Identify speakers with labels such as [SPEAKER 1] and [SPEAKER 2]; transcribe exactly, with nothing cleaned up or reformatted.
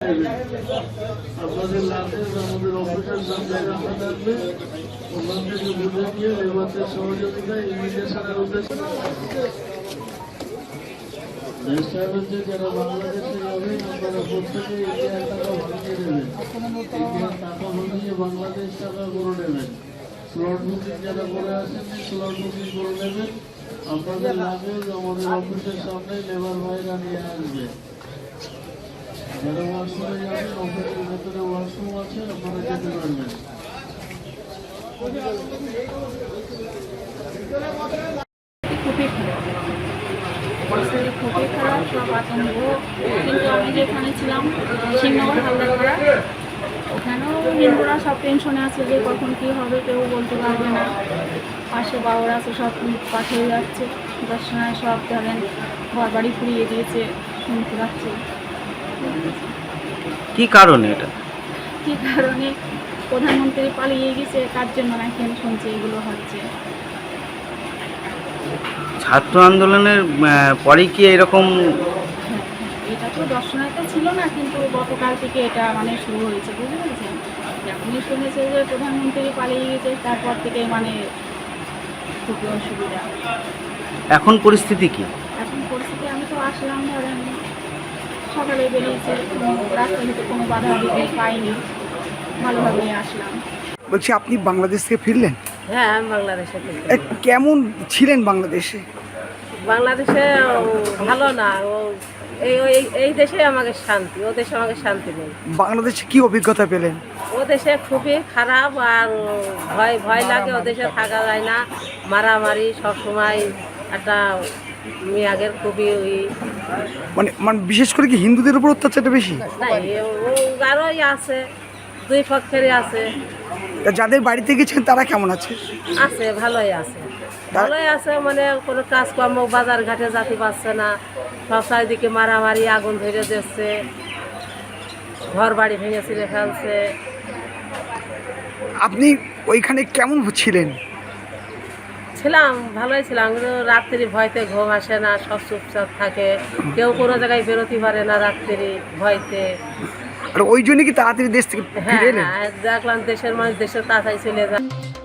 [SPEAKER 1] দেবেন। আপনাদের লাভে আমাদের অফিসের সামনে রাখা থাকবে, ওখান থেকে বুঝে নিয়ে লেবারদের সহযোগিতায় ইমিগ্রেশনের উদ্দেশ্যে যারা বাংলাদেশে যাবেন আপনারা প্রত্যেকে ইন্ডিয়ার টাকা ভাঙিয়ে দেবেন, ইন্ডিয়ার টাকা ভাঙিয়ে বাংলাদেশ টাকা করে নেবেন। স্লট বুকিং যারা করে আসেননি স্লট বুকিং করে নেবেন। আপনাদের লাগেজ আমাদের অফিসের সামনে লেবার ভাইরা নিয়ে আসবে। যারা ওয়াশরুমে যাবেন অফিসের ভেতরে ওয়াশরুম আছে, আপনারা যেতে পারবেন।
[SPEAKER 2] খুবই খারাপ পরিস্থিতি, খুবই খারাপ, সব আতঙ্ক। কিন্তু আমি যেখানে ছিলাম শিবনগর হালদারপাড়া, ওখানেও হিন্দুরা সব টেনশনে আছে যে কখন কী হবে কেউ বলতে পারবে না। পাশে বাবুরা আছে, সব পাঠিয়ে যাচ্ছে, দর্শনায় সব ধরেন ঘর বাড়ি ফুরিয়ে দিয়েছে, শুনতে পাচ্ছে।
[SPEAKER 3] কি কারণে এটা?
[SPEAKER 2] কী কারণে প্রধানমন্ত্রী পালিয়ে গেছে, কার জন্য নাকি আমি শুনছি এগুলো হচ্ছে।
[SPEAKER 3] ছাত্র আন্দোলনের পরে কি এরকম?
[SPEAKER 2] এটা তো দর্শনার্থী ছিল না, কিন্তু গতকাল থেকে এটা মানে শুরু হয়েছে, বুঝতে পেরেছেন। যখনই শুনেছে যে প্রধানমন্ত্রী পালিয়ে গেছে, তারপর থেকে মানে খুবই অসুবিধা।
[SPEAKER 3] এখন পরিস্থিতি কি?
[SPEAKER 2] এখন পরিস্থিতি, আমি তো আসলাম ধরেন সকালে বেরিয়েছে, রাস্তা থেকে কোনো বাধা বিঘ্ন পাইনি, ভালোভাবেই আসলাম।
[SPEAKER 4] বলছি আপনি বাংলাদেশ থেকে ফিরলেন?
[SPEAKER 5] হ্যাঁ, আমি বাংলাদেশে থাকি।
[SPEAKER 4] এ, কেমন ছিলেন বাংলাদেশে?
[SPEAKER 5] বাংলাদেশে ভালো না, ও এই এই- এই দেশে আমাকে শান্তি, ও দেশে আমাকে শান্তি নেই।
[SPEAKER 4] বাংলাদেশে কি অভিজ্ঞতা পেলেন?
[SPEAKER 5] ও দেশে খুবই খারাপ, আর ভয় ভয় লাগে, ও দেশে থাকা যায় না, মারামারি সব সময়। একটা মেয়াগের খুবই ওই
[SPEAKER 4] মানে মানে বিশেষ করে কি হিন্দুদের উপর অত্যাচারটা বেশি?
[SPEAKER 5] নাই, ও আরোই আছে, দুই পক্ষেরই আছে।
[SPEAKER 4] তা যাদের বাড়িতে গেছেন তারা কেমন আছে?
[SPEAKER 5] আছে, ভালোই আছে, ভালোই আছে। মানে কোনো কাজকর্ম বাজার ঘাটে যেতে পারছে না, সব চারিদিকে মারামারি, আগুন ধরে দিচ্ছে, ঘর বাড়ি ভেঙে ছিঁড়ে ফেলছে।
[SPEAKER 4] আপনি ওইখানে কেমন ছিলেন?
[SPEAKER 5] ছিলাম, ভালোই ছিলাম, কিন্তু রাত্রি ভয়তে ঘুম আসে না, সব চুপচাপ থাকে, কেউ কোনো জায়গায় বেরোতে পারে না রাত্রি ভয়তে।
[SPEAKER 4] আর ওই জন্য কি তাড়াতাড়ি দেশ থেকে
[SPEAKER 5] হ্যাঁ
[SPEAKER 4] ফিরে এলেন?
[SPEAKER 5] হ্যাঁ, দেখলাম দেশের মানুষ দেশের তাড়াতাড়ি চলে যায়।